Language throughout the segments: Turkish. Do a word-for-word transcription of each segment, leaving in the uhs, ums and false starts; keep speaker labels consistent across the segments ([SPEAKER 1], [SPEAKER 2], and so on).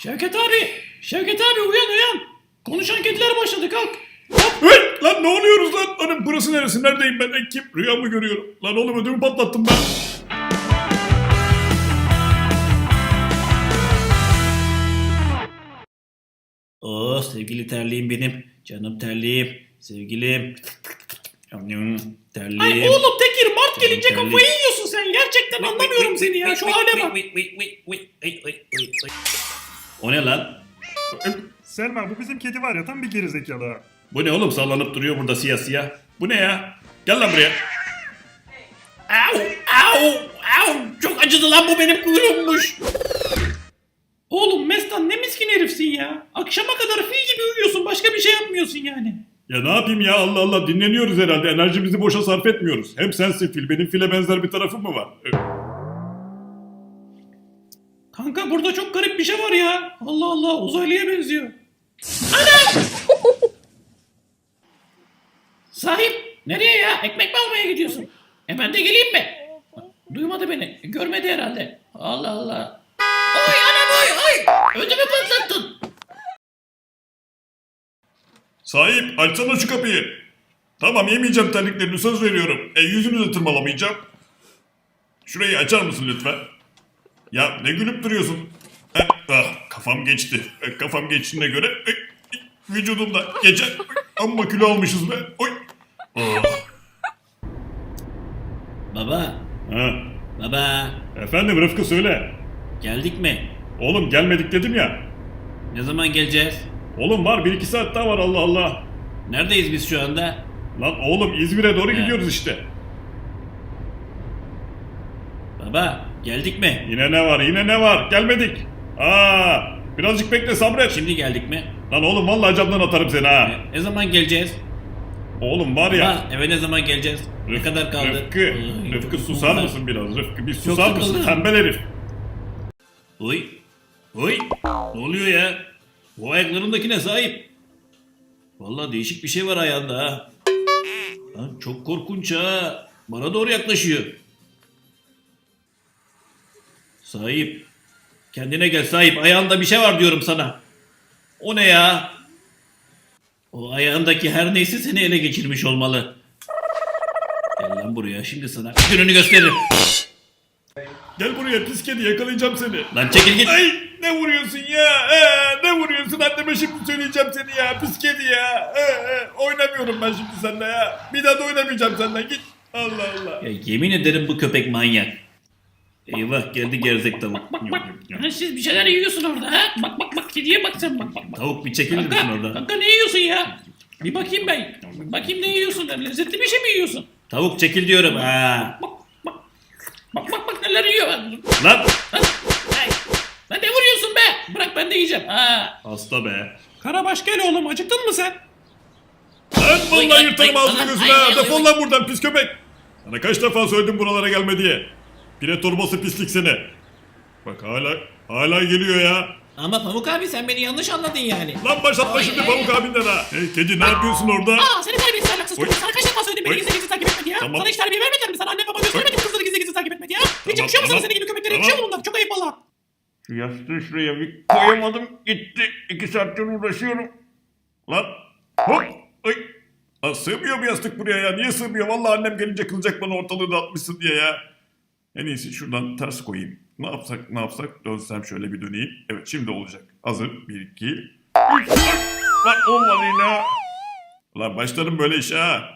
[SPEAKER 1] Şevket abi! Şevket abi uyan uyan! Konuşan kediler başladı kalk!
[SPEAKER 2] Hey, lan ne oluyoruz lan? Lan burası neresi? Neredeyim ben? E, kim? Rüya mı görüyorum? Lan oğlum ödümü patlattım ben.
[SPEAKER 1] Oh sevgili terliğim benim. Canım terliğim. Sevgilim. Terliğim.
[SPEAKER 3] Ay oğlum Tekir Mart gelince
[SPEAKER 1] Terlik.
[SPEAKER 3] kafayı yiyorsun sen. Gerçekten anlamıyorum seni ya. Şu hale bak.
[SPEAKER 1] O ne lan?
[SPEAKER 4] Selma bu bizim kedi var ya tam bir gerizekalı.
[SPEAKER 2] Bu ne oğlum sallanıp duruyor burada siyah siyah. Bu ne ya? Gel lan buraya.
[SPEAKER 1] Au au au çok acıdı lan bu benim kuyruğummuş.
[SPEAKER 3] Oğlum Mestan ne miskin herifsin ya. Akşama kadar fil gibi uyuyorsun. Başka bir şey yapmıyorsun yani.
[SPEAKER 2] Ya ne yapayım ya Allah Allah dinleniyoruz herhalde. Enerjimizi boşa sarf etmiyoruz. Hem sensin fil. Benim file benzer bir tarafım mı var? E,
[SPEAKER 3] Kanka burada çok garip bir şey var ya. Allah Allah uzaylıya benziyor. Ana! Sahip nereye ya? Ekmek mi almaya gidiyorsun? E ben de geleyim mi? Duymadı beni. Görmedi herhalde. Allah Allah. Oy anam oy oy. Ödümü patlattın.
[SPEAKER 2] Sahip açsana şu kapıyı. Tamam yemeyeceğim terliklerini söz veriyorum. E yüzünü de tırmalamayacağım. Şurayı açar mısın lütfen? Ya ne gülüp duruyorsun? Eh, ah, kafam geçti. Eh, kafam geçtiğine göre eh, eh, vücudumda geçer. Amma kilo almışız be. Oy. Oh.
[SPEAKER 1] Baba
[SPEAKER 2] Ha.
[SPEAKER 1] baba
[SPEAKER 2] Efendim Rıfkı söyle.
[SPEAKER 1] geldik mi?
[SPEAKER 2] Oğlum gelmedik dedim ya.
[SPEAKER 1] Ne zaman geleceğiz?
[SPEAKER 2] Oğlum var bir iki saat daha var Allah Allah.
[SPEAKER 1] Neredeyiz biz şu anda?
[SPEAKER 2] Lan oğlum İzmir'e doğru
[SPEAKER 1] He.
[SPEAKER 2] gidiyoruz işte.
[SPEAKER 1] Baba geldik mi?
[SPEAKER 2] Yine ne var yine ne var gelmedik. Aa, birazcık bekle sabret.
[SPEAKER 1] Şimdi geldik mi?
[SPEAKER 2] Lan oğlum vallahi camdan atarım seni ha.
[SPEAKER 1] Ne zaman geleceğiz?
[SPEAKER 2] Oğlum var ya.
[SPEAKER 1] Baba eve ne zaman geleceğiz? Ne kadar kaldı?
[SPEAKER 2] Rıfkı,
[SPEAKER 1] Ay,
[SPEAKER 2] Rıfkı susar
[SPEAKER 1] bunlar-
[SPEAKER 2] mısın biraz? Rıfkı bir susar
[SPEAKER 1] Çok
[SPEAKER 2] mısın?
[SPEAKER 1] sıkıldım.
[SPEAKER 2] Tembel herif.
[SPEAKER 1] Oy. Oy. Ne oluyor ya? Bu ayaklarındakine sahip. Vallahi değişik bir şey var ayağında ha. Lan çok korkunç ha. Bana doğru yaklaşıyor. Sahip. Kendine gel sahip. Ayağında bir şey var diyorum sana. O ne ya? O ayağındaki her neyse seni ele geçirmiş olmalı. Gel lan buraya şimdi sana gününü gösteririm.
[SPEAKER 2] Gel buraya pis kedi yakalayacağım seni.
[SPEAKER 1] Lan çekil git.
[SPEAKER 2] Ay ne vuruyorsun ya? Ee, ne vuruyorsun? Anneme şimdi söyleyeceğim seni ya. Pis kedi ya. Ee, e, oynamıyorum ben şimdi seninle ya. Bir daha da oynamayacağım seninle. Git. Allah Allah.
[SPEAKER 1] Ya yemin ederim bu köpek manyak. Eyvah geldi gerzek tavuk.
[SPEAKER 3] Bak bak. Ha, siz bir şeyler yiyorsun orada ha. Bak bak bak kediye bak sen bak bak. bak.
[SPEAKER 1] Tavuk bir çekilir misin
[SPEAKER 3] Kanka,
[SPEAKER 1] orada?
[SPEAKER 3] kanka ne yiyorsun ya? Bir bakayım ben. Bakayım ne yiyorsun? Lezzetli bir şey mi yiyorsun?
[SPEAKER 1] Tavuk çekil diyorum ha.
[SPEAKER 3] Bak bak. Bak bak bak neler yiyor. Lan.
[SPEAKER 1] Lan.
[SPEAKER 3] Ay. Lan ne vuruyorsun be? Bırak ben de yiyeceğim. Ha.
[SPEAKER 2] Hasta be.
[SPEAKER 3] Karabaş gel oğlum acıktın mı sen?
[SPEAKER 2] Lan
[SPEAKER 1] Oy,
[SPEAKER 2] vallahi
[SPEAKER 1] ay,
[SPEAKER 2] yırtarım
[SPEAKER 1] ay,
[SPEAKER 2] ağzını
[SPEAKER 1] ay,
[SPEAKER 2] gözüne.
[SPEAKER 1] ay,
[SPEAKER 2] ha.
[SPEAKER 1] ay,
[SPEAKER 2] Defol
[SPEAKER 1] ay.
[SPEAKER 2] lan buradan pis köpek. Sana kaç defa söyledim buralara gelme diye. Pire torbası pislik seni. Bak hala hala geliyor ya.
[SPEAKER 1] Ama Pamuk abi sen beni yanlış anladın yani.
[SPEAKER 2] Lan başlatma
[SPEAKER 1] Ay,
[SPEAKER 2] şimdi
[SPEAKER 1] ay,
[SPEAKER 2] Pamuk
[SPEAKER 1] ay.
[SPEAKER 2] abinden ha. Hey kedi ne yapıyorsun orada?
[SPEAKER 3] Aa seni terbiyesiz ahlaksız
[SPEAKER 2] Oy.
[SPEAKER 3] çocuk. Sana kaç defa söyledim beni
[SPEAKER 2] Oy.
[SPEAKER 3] gizli gizli takip etme diye.
[SPEAKER 2] Tamam.
[SPEAKER 3] Sana hiç terbiye vermediler mi? Sana anne baba göstermedi mi kızları gizli gizli takip etme diye? Hiç
[SPEAKER 2] Tamam,
[SPEAKER 3] yakışıyor mu sana
[SPEAKER 2] tamam.
[SPEAKER 3] senin gibi köpeklere?
[SPEAKER 2] Tamam.
[SPEAKER 3] Yakışıyor mu bunlar? Çok ayıp valla.
[SPEAKER 2] Şu yastığı şuraya bir koyamadım gitti. İki saattir uğraşıyorum. Lan hop. Ay. Lan sığmıyor bu yastık buraya ya. Niye sığmıyor? Vallahi annem gelince kılacak bana ortalığı dağıtmışsın diye ya. En iyisi şuradan ters koyayım. Ne yapsak ne yapsak dönsem şöyle bir döneyim. Evet şimdi olacak. Hazır. Bir iki. Üç. Lan olmadı yine. Lan başlarım böyle işe ha.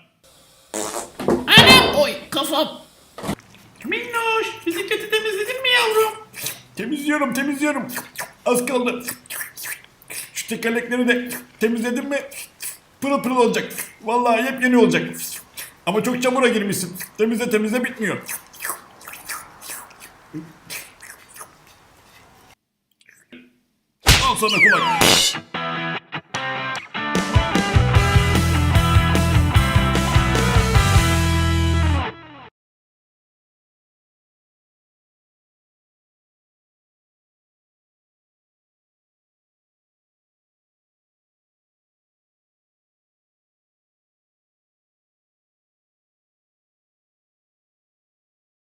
[SPEAKER 3] Anam! Oy kafam. Minnoş bisikleti temizledin mi yavrum?
[SPEAKER 2] Temizliyorum temizliyorum. Az kaldı. Şu tekerlekleri de temizledim mi pırıl pırıl olacak. Vallahi yepyeni olacak. Ama çok çamura girmişsin. Temizle temizle bitmiyor. Al sana kulak.